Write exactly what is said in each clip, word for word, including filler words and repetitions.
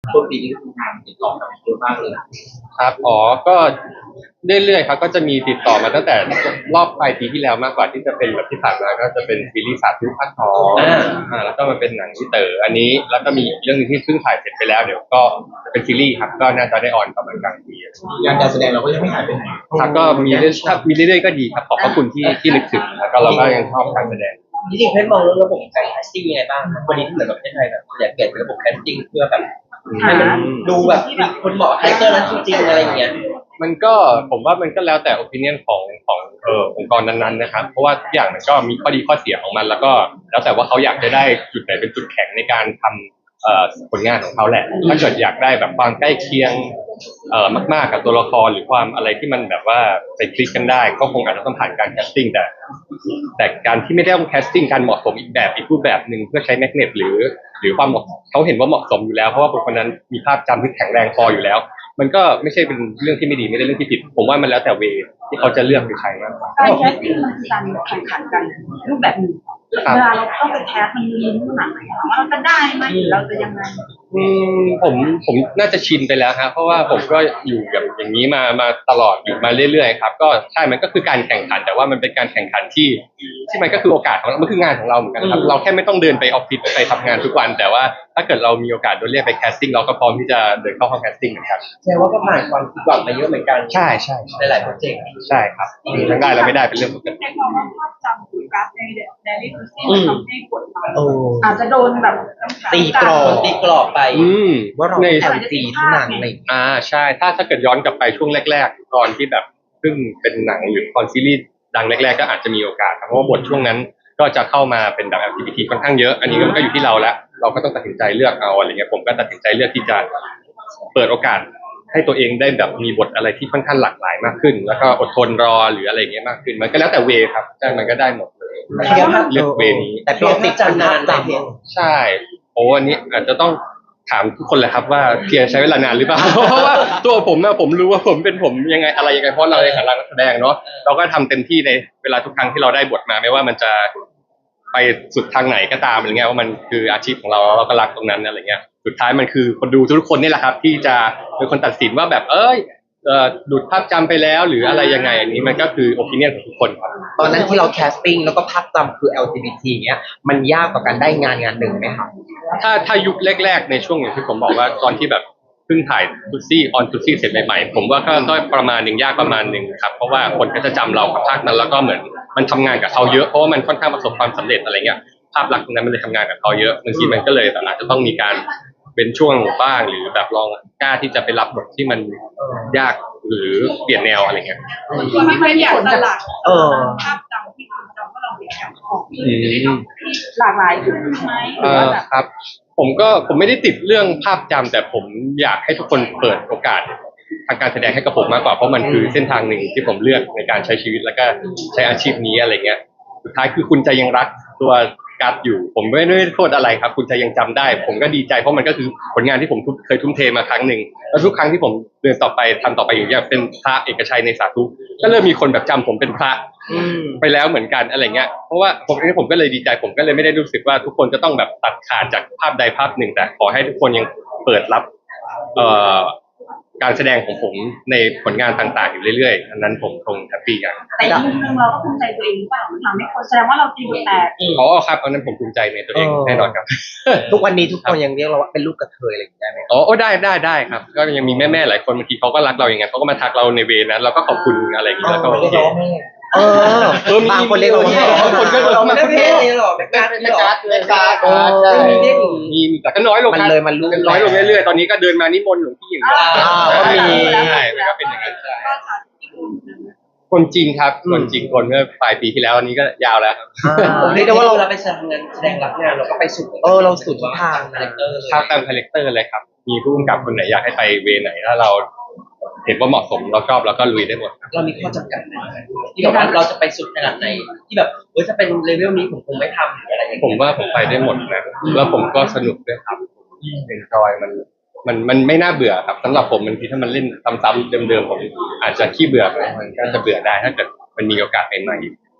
ต้นปีนี้ทำงานติดต่อกับเยอะมากเลยครับอ๋อก็เรื่อยๆครับก็จะมีติดต่อมาตั้งแต่รอบปลายปีที่แล้วมากกว่าที่จะเป็นแบบที่ผ่านมาก็จะเป็นซีรีส์สาธุภาคสองอ่าแล้วก็มาเป็นหนังที่เต๋ออันนี้แล้วก็มีอีกเรื่องนึงที่เพิ่งถ่ายเสร็จไปแล้วเดี๋ยวก็เป็นซีรีส์ครับก็น่าจะได้ออนประมาณกลางปีงานการแสดงเราก็ยังไม่หายไปไหนครับก็มีเรื่อยถ้ามีเรื่อยๆก็ดีครับขอบพระคุณที่ที่นึกถึงแล้วก็เราก็ยังชอบการแสดงจริงๆเพชรมองเรื่องระบบการแคสติ้งยังไงบ้างวันนี้ที่เหมือนกับประเทศไทยแบบอยากเปลี่ยนระบบแคสติ้งเพื่อแบบให้มันดูแบบมีคนเหมาะคาแรคเตอร์นั้นจริงๆอะไรอย่างเงี้ยมันก็ผมว่ามันก็แล้วแต่ opinion ของของเอ่อองค์กรนั้นๆนะครับเพราะว่าทุกอย่างมันก็มีข้อดีข้อเสียของมันแล้วก็แล้วแต่ว่าเขาอยากจะได้จุดไหนเป็นจุดแข็งในการทำเอ่อผลงานของเขาแหละถ้าเกิดอยากได้แบบความใกล้เคียงเอ่อมากๆกับตัวละครหรือความอะไรที่มันแบบว่าไปคลิกกันได้ก็คงอาจจะต้องผ่านการแคสติ้งแต่แต่การที่ไม่ได้ต้องแคสติ้งการเหมาะสมอีกแบบอีกรูปแบบหนึ่งเพื่อใช้แมกเนตหรือหรือความเหมาะเขาเห็นว่าเหมาะสมอยู่แล้วเพราะว่าคนคนนั้นมีภาพจำที่แข็งแรงพออยู่แล้วมันก็ไม่ใช่เป็นเรื่องที่ไม่ดีไม่ได้เรื่องที่ผิดผมว่ามันแล้วแต่เวที่เขาจะเลือกไปใช้มากกว่าการแคสติ้งมันคือการแข่งขันกันรูปแบบหนึ่งเวลาเราต้องไปแคสมันมีลุ้นขนาดไหนว่าเราจะได้ไหมหรือเราจะยังไงอืมผมผมน่าจะชินไปแล้วฮะเพราะว่าผมก็อยู่กับอย่างนี้มามาตลอดอยู่มาเรื่อยๆครับก็ใช่มันก็คือการแข่งขันแต่ว่ามันเป็นการแข่งขันที่ที่มันก็คือโอกาสของเรามันคืองานของเราเหมือนกันครับเราแค่ไม่ต้องเดินไปออฟฟิศไปทำงานทุกวันแต่ว่าถ้าเกิดเรามีโอกาสโดนเรียกไปแคสติ้งเราก็พร้อมที่จะเดินเข้าห้องแคสติ้งเหมือนกันแสดงว่าก็ผ่านความผิดหวังมาเยอะเหมือนกันใช่ใช่หลายๆโปรเจกต์ใช่ครับมีทั้งได้และไม่ได้เป็นเรื่องปกติในความว่าภาพจำหรือกราฟในเดลี่ทูซี่มันทำให้กดดันอาจจะโดนแบบตีกรอบตีกรอบไปว่าเราใน แอล จี ที่หนังอะไรอ่าใช่ถ้าถ้าเกิดย้อนกลับไปช่วงแรกๆตอนที่แบบเพิ่งเป็นหนังหรือตอนซีรีส์ดังแรกๆก็อาจจะมีโอกาสเพราะว่าบทช่วงนั้นก็จะเข้ามาเป็นแบบ แอล จี บี ที ค่อนข้างเยอะอันนี้มันก็อยู่ที่เราแล้วเราก็ต้องตัดสินใจเลือกเอาอะไรเงี้ยผมก็ตัดสินใจเลือกที่จะเปิดโอกาสให้ตัวเองได้แบบมีบทอะไรที่ค่อนข้างหลากหลายมากขึ้นแล้วก็อดทนรอหรืออะไรเงี้ยมากขึ้นมันก็แล้วแต่เวครับใช่มันก็ได้หมดเลยเลือกเวนี้แต่พี่ติดจำนานไปใช่โอ้อันนี้อาจจะต้องถามทุกคนแหละครับว่าเพียรใช้เวลานานหรือเปล่าเพราะว่าตัวผมนะผมรู้ว่าผมเป็นผมยังไงอะไรยังไงเพราะเราในฐานะนักแสดงเนาะเราก็ทำเต็มที่ในเวลาทุกครั้งที่เราได้บทมาไม่ว่ามันจะไปสุดทางไหนก็ตามอะไรเงี้ยว่ามันคืออาชีพของเราเราก็รักตรงนั้นอะไรเงี้ยสุดท้ายมันคือคนดูทุกคนนี่แหละครับที่จะเป็นคนตัดสินว่าแบบเอ้ยเอ่อดูดภาพจำไปแล้วหรืออะไรยังไงอันนี้มันก็คือโอปิเนียนของทุกคนครับตอนนั้นที่เราแคสติ้งแล้วก็ภาพจำคือ แอล จี บี ที เงี้ยมันยากกว่าการได้งานงานหนึ่งไหมครับถ้าถ้ายุคแรกๆในช่วงอย่างที่ผมบอกว่าตอนที่แบบเพิ่งถ่ายทุซี่ออนทุซี่เสร็จใหม่ๆผมว่าก็ต้องประมาณหนึ่งยากประมาณหนึ่งครับเพราะว่าคนก็จะจำเรากับภาคนั้นแล้วก็เหมือนมันทำงานกับเขาเยอะเพราะว่ามันค่อนข้างประสบความสำเร็จอะไรเงี้ยภาพลักษณ์ตรงนั้นมันเลยทำงานกับเขาเยอะบางทีมันก็เลยแบบอาจจะต้องมีการเป็นช่วงบ้างหรือแบบลองกล้าที่จะไปรับบทที่มันยากหรือเปลี่ยนแนวอะไรเงี้ยคุณไม่อยากสลักภาพจำที่คุณจำว่าเราเป็นแขกของหลากหลายขึ้นไหมเออครับผมก็ผมไม่ได้ติดเรื่องภาพจำแต่ผมอยากให้ทุกคนเปิดโอกาสทางการแสดงให้กับผมมากกว่าเพราะมันคือเส้นทางหนึ่งที่ผมเลือกในการใช้ชีวิตแล้วก็ใช้อาชีพนี้อะไรเงี้ยสุดท้ายคือคุณจะยังรักตัวกัดอยู่ผมไม่ได้โทษอะไรครับคุณจะยังจำได้ผมก็ดีใจเพราะมันก็คือผลงานที่ผมเคยทุ่มเทมาครั้งหนึ่งแล้วทุกครั้งที่ผมเดินต่อไปทำต่อไปอย่างเงี้ยเป็นพระเอกชัยในสาธุก็เริ่มมีคนแบบจำผมเป็นพระไปแล้วเหมือนกันอะไรเงี้ยเพราะว่าผมเองผมก็เลยดีใจผมก็เลยไม่ได้รู้สึกว่าทุกคนจะต้องแบบตัดขาดจากภาพใดภาพหนึ่งแต่ขอให้ทุกคนยังเปิดรับเอ่อการแสดงของผมในผลงานต่างๆอยู่เรื่อยๆอันนั้นผมคงแฮปปี้กันแต่อีกมุมนึงเราก็ภูมิใจตัวเองหรือเปล่าทำให้คนแสดงว่าเราตีบทแตกอ๋อครับอันนั้นผมภูมิใจในตัวเองแน่นอนครับทุกวันนี้ทุกคนยังเรียกเราว่าเป็นลูกกระเทยอะไรอย่างเงี้ยไหมอ๋อได้ได้ได้ครับก็ยังมีแม่ๆหลายคนบางทีเขาก็รักเราอย่างเงี้ยเขาก็มาทักเราในเวนั้นเราก็ขอบคุณอะไรอย่างเงี้ยแล้วก็โอเคเออบางคนเรียกเราบางคนก็เราไม่ได้เลยหรอไม่การไม่การไม่การใช่มีแต่ก็น้อยลงมันเลยมันรู้น้อยลงเรื่อยๆตอนนี้ก็เดินมานิมนต์หลวงพี่อย่างเงี้ยก็มีใช่มันก็เป็นอย่างนั้นใช่คนจริงครับคนจริงคนเมื่อปลายปีที่แล้วอันนี้ก็ยาวแล้วเรียกได้ว่าเราไปแสดงงานแสดงรับงานเราก็ไปสุดเออเราสุดทุกทางคาแรคเตอร์ครับตามคาแรคเตอร์เลยครับมีผู้กำกับคนไหนอยากให้ไปเวไหนถ้าเราเห็นว่าเหมาะสมเราชอบเราก็ลุยได้หมดเรามีข้อจำกัดไหมที่แบบว่าเราจะไปสุดขนาดไหนที่แบบเฮ้ยจะเป็นเลเวลนี้ผมคงไม่ทำหรืออะไรอย่างเงี้ยผมว่าผมไปได้หมดนะแล้วผมก็สนุกด้วยครับเอนจอยมันมันมันไม่น่าเบื่อครับสำหรับผมบางทีถ้ามันเล่นซ้ำๆเดิมๆผมอาจจะขี้เบื่อไปมันก็จะเบื่อได้ถ้าเกิดมันมีโอกาสใหม่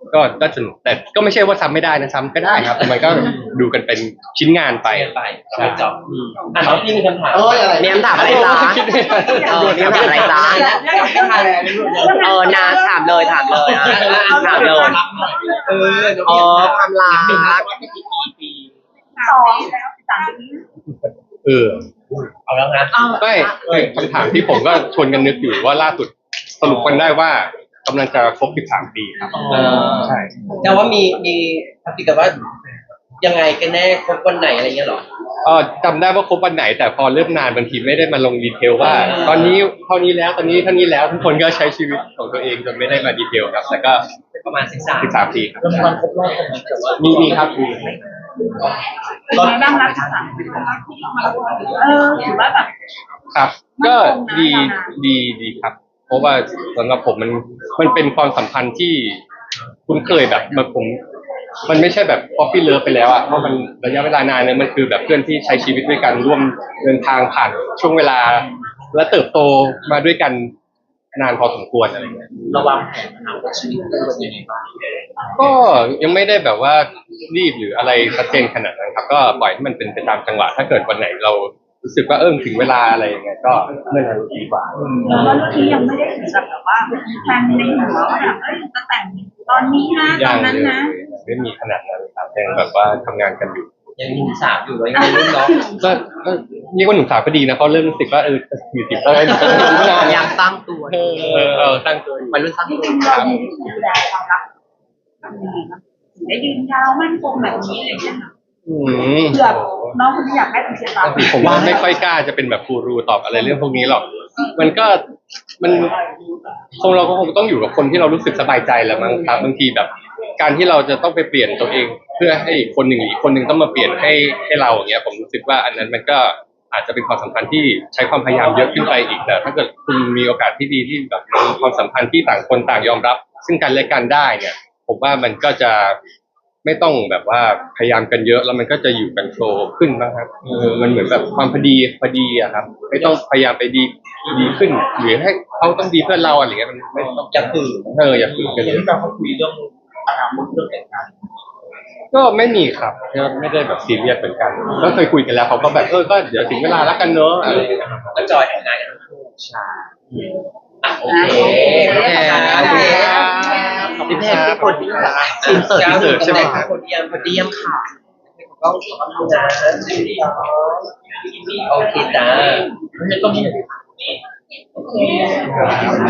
ก็ก็สนุกแต่ก็ไม่ใช่ว่าซ้ำไม่ได้นะซ้ำก็ได้ครับมันก็ดูกันเป็นชิ้นงานไปไปกันไปใช่จอบอ่ะน้องพี่มีคำถามเอ้ยอะไรมีคำถามอะไรจ๊ะเออมีคำถามอะไรจ๊ะเออนาถามเลยถามเลยอ่ะถามเลยเออเออความรักสองสามปีเออเอาแล้วนะไม่คำถามที่ผมก็ชวนกันนึกอยู่ว่าล่าสุดสรุปกันได้ว่ากำลังจะครบสิบสามปีครับเออใช่แต่ว่ามีมีทักติกับว่ายังไงกันแน่ครบวันไหนอะไรเงี้ยหรอเออจำได้ว่าครบวันไหนแต่พอเริ่มนานบางทีไม่ได้มาลงดีเทลว่าอ่าตอนนี้เท่านี้แล้วตอนนี้เท่านี้แล้วทุกคนก็ใช้ชีวิตของตัวเองจนไม่ได้มาดีเทลครับแต่ก็ประมาณสิบสามสิบสามปีครับวันครบรอบของแต่ว่ามีมีครับมีเป็นไงบ้างรักสามปีเออถือว่าแบบครับ ก็ดีดีดีครับ เพราะว่าสำหรับผมมันมันเป็นความสัมพันธ์ที่คุ้นเคยแบบแบบผม มันไม่ใช่แบบ coffee love ไปแล้วอ่ะเพราะมันระยะเวลานานเนี่ยมันคือแบบเพื่อนที่ใช้ชีวิตด้วยกันร่วมเดินทางผ่านช่วงเวลา และเติบโตมาด้วยกันนานพอสมควรอะไรเงี้ยระวังแผนอนาคตชีวิตคู่เป็นยังไงบ้างก็ยังไม่ได้แบบว่ารีบหรืออะไรชัดเจนขนาดนั้นครับ ก็ปล่อยให้มันเป็นไปตามจังหวะถ้าเกิดวันไหนเรารู้สึกว่าเออถึงเวลาอะไรอย่างเงี้ยก็เมื่อนั้นดีกว่าแล้วเรื่องนี้ยังไม่ได้ถึงกับแบบว่าแฟนในหัวว่าแบบเอ้ยจะแต่งตอนนี้นะตยัอนงนั้นนะไม่มีขนาดนั้นครับยังแบบว่าทำงานกันอยู่ยังมีสามอยู่ไว้ยังรุ่นน้องก็ก็เรียกว่าหนุ่มสาวก็ดีนะเขาะเริ่มรู้สึกว่าเอออยู่ติดแล้วอยู่กันไม่นานอยากสร้างตัวเออเออเออตั้งตัวอยู่วัยรุ่นสร้างจตัวริงๆเรามีวิธีดูแลความรักยังไงบ้างถึงได้ยืนยาวมั่นคงแบบนี้อะไรอย่างเงี้ยค่ะอืมเผื่อน้องคนที่อยากได้เป็นเคล็ดลับผมว่าไม่ค่อยกล้าจะเป็นแบบกูรูตอบอะไรเรื่องพวกนี้หรอก มันก็มันคงเราก็คงต้องอยู่กับคนที่เรารู้สึกสบายใจแหละมั้งครับบางทีแบบ การที่เราจะต้องไปเปลี่ยนตัวเอง เพื่อให้อีกคนหนึ่งหรืออีกคนหนึ่งต้องมาเปลี่ยนให้ให้เราอย่างเงี้ยผมรู้สึกว่าอันนั้นมันก็อาจจะเป็นความสัมพันธ์ที่ใช้ความพยายามเยอะขึ้นไปอีกแต่ถ้าเกิดคุณมีโอกาสที่ดีที่แบบมีความสัมพันธ์ที่ต่างคนต่างยอมรับ ซึ่งกันและกันได้เนี่ย ผมว่ามันก็จะไม่ต้องแบบว่าพยายามกันเยอะแล้วมันก็จะอยู่กันโฟลว์ขึ้นบ้างครับเออมันเหมือนแบบความพอดีพอดีอะครับ ไม่ต้องพยายามไปดีดีขึ้นหรือให้เขาต้องดีเพื่อเราอะไรเงี้ยมันไม่ต้องจะฝืนเอออย่าฝืนกันอเลย่างยที่เราเขาคุยเรื่องอนาคตเรื่องแต่งงานก็ไม่มีครับก็ไม่ได้แบบซีเรียสเหมือนกัน ก็เคยคุยกันแล้วเขาก็แบบเออก็เดี๋ยวถึงเวลาแล้วกันเนอะอะไรอย่างเงี้ยครับก็จอยแต่งงานกันทั้งคู่ใช่อ่ะโอเคโอเคขอบคุณครับพี่เพชรพี่กดทีมเสิร์ฟทีมเสิร์ฟใช่ไหมครับคนเดียมกดเยี่ยมค่ะก็ขอบคุณนะโอเคจ้าไม่ต้องมี